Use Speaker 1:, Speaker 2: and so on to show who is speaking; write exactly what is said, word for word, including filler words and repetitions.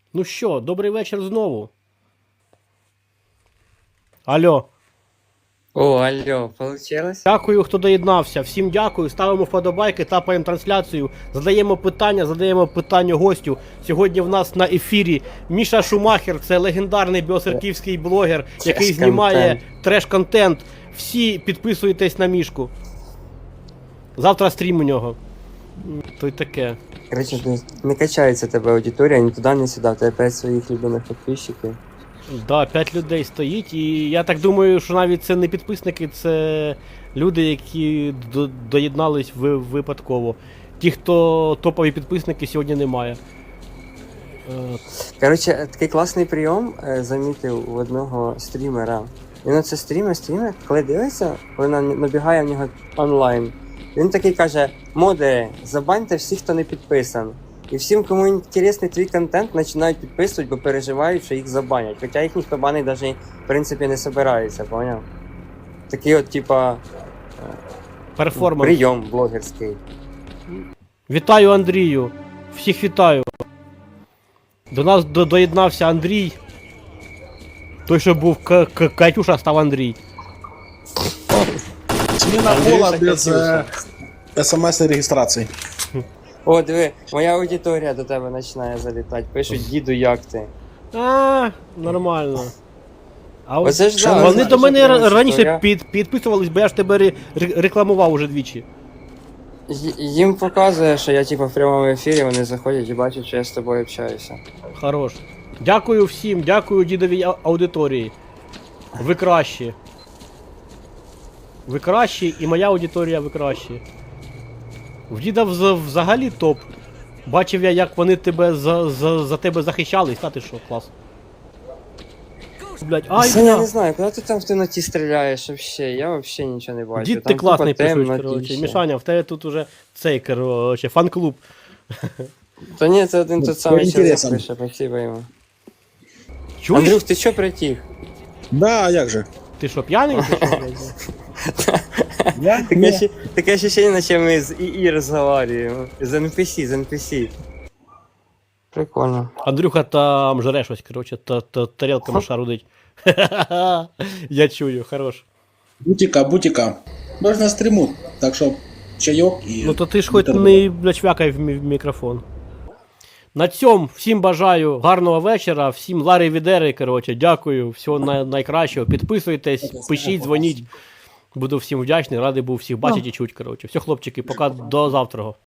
Speaker 1: Ну що, добрий вечір знову. Алло.
Speaker 2: О, алло, получилось?
Speaker 1: Дякую, хто доєднався. Всім дякую. Ставимо вподобайки, тапаємо трансляцію, задаємо питання, задаємо питання гостю. Сьогодні в нас на ефірі Міша Шумахер, це легендарний біосерківський блогер, який знімає треш-контент. Всі підписуйтесь на Мішку. Завтра стрім у нього. То й таке.
Speaker 2: Короче, не качається тебе аудиторія, ні туди, ні сюди. У тебе п'ять своїх любимих підписчиків.
Speaker 1: Да, п'ять людей стоїть, і я так думаю, що навіть це не підписники, це люди, які до- доєднались ви- випадково. Ті, хто топові підписники, сьогодні немає. Е,
Speaker 2: Короче, такий класний прийом е, замітив у одного стрімера. Він оце стрімер, стрімер, коли дивиться, коли на- набігає в нього онлайн. Він такий каже: модери, забаньте всіх, хто не підписан. І всім, кому інтересний твій контент, починають підписувати, бо переживають, що їх забанять. Хоча їх ніхто банить навіть, в принципі, не собирається, поняв? Такий от, типа,
Speaker 1: Перформанс.
Speaker 2: прийом блогерський.
Speaker 1: Вітаю Андрію. Всіх вітаю. До нас до- доєднався Андрій. Той, що був К- К- Катюша, став Андрій.
Speaker 3: Смена
Speaker 2: Андрюша
Speaker 3: пола без
Speaker 2: Катюша.
Speaker 3: э, смс-регистрации.
Speaker 2: О, диви, моя аудиторія до тебе починає залітати. Пишуть: діду, як ти?
Speaker 1: А, нормально. А от
Speaker 2: Оце ж да,
Speaker 1: вони
Speaker 2: знаєш,
Speaker 1: до мене
Speaker 2: що
Speaker 1: ра-
Speaker 2: прямо
Speaker 1: раніше
Speaker 2: історія.
Speaker 1: під, підписувались, бо я ж тебе ре- ре- рекламував уже двічі.
Speaker 2: Й- Їм показує, що я типа в прямому ефірі, вони заходять і бачать, що я з тобою общаюся.
Speaker 1: Хорош. Дякую всім, дякую дідовій а- аудиторії. Ви кращі. Ви кращі, і моя аудиторія ви кращі. В діда вз- взагалі топ. Бачив я, як вони тебе за, за, за тебе захищались, та ти що, клас. Блять, ай,
Speaker 2: Це я
Speaker 1: бля.
Speaker 2: не знаю, куди ти там в темноті стріляєш вообще? Я вообще нічого не бачу.
Speaker 1: Дід
Speaker 2: Там
Speaker 1: ти класний
Speaker 2: тупо
Speaker 1: пишуть,
Speaker 2: темно,
Speaker 1: коротше.
Speaker 2: тіше.
Speaker 1: Мішаня, в тебе тут уже цей, коротше, фан-клуб.
Speaker 2: Та ні, це один
Speaker 3: Ну,
Speaker 2: тот самий
Speaker 3: по
Speaker 2: чоловік
Speaker 3: інтересам.
Speaker 2: пише, спасибо йому.
Speaker 1: Чуєш?
Speaker 2: Андрюх, ти що притих?
Speaker 3: Да, а як же?
Speaker 1: Ти що, п'яний? Ти що, блядь?
Speaker 3: Я?
Speaker 2: Таке,
Speaker 3: Не.
Speaker 2: ще- таке ощущение, наче ми з ІІ розговорюємо. З ен пі сі, з ен пі сі. Прикольно.
Speaker 1: Андрюха там жре щось, коротше, та, та, тарілками шарудить. Я чую, хорош.
Speaker 3: Бутика, бутика. Можна стриму, так що чайок і...
Speaker 1: Ну то ти ж хоч
Speaker 3: бутерброд.
Speaker 1: не бля, чвякай в мі- в мікрофон. На цьому всім бажаю гарного вечора, всім лари відери, коротше, дякую, всього най- найкращого. Підписуйтесь, пишіть, дзвоніть. Буду всім вдячний, радий був всіх бачити і чути, коротше. Все, хлопчики, пока до завтра.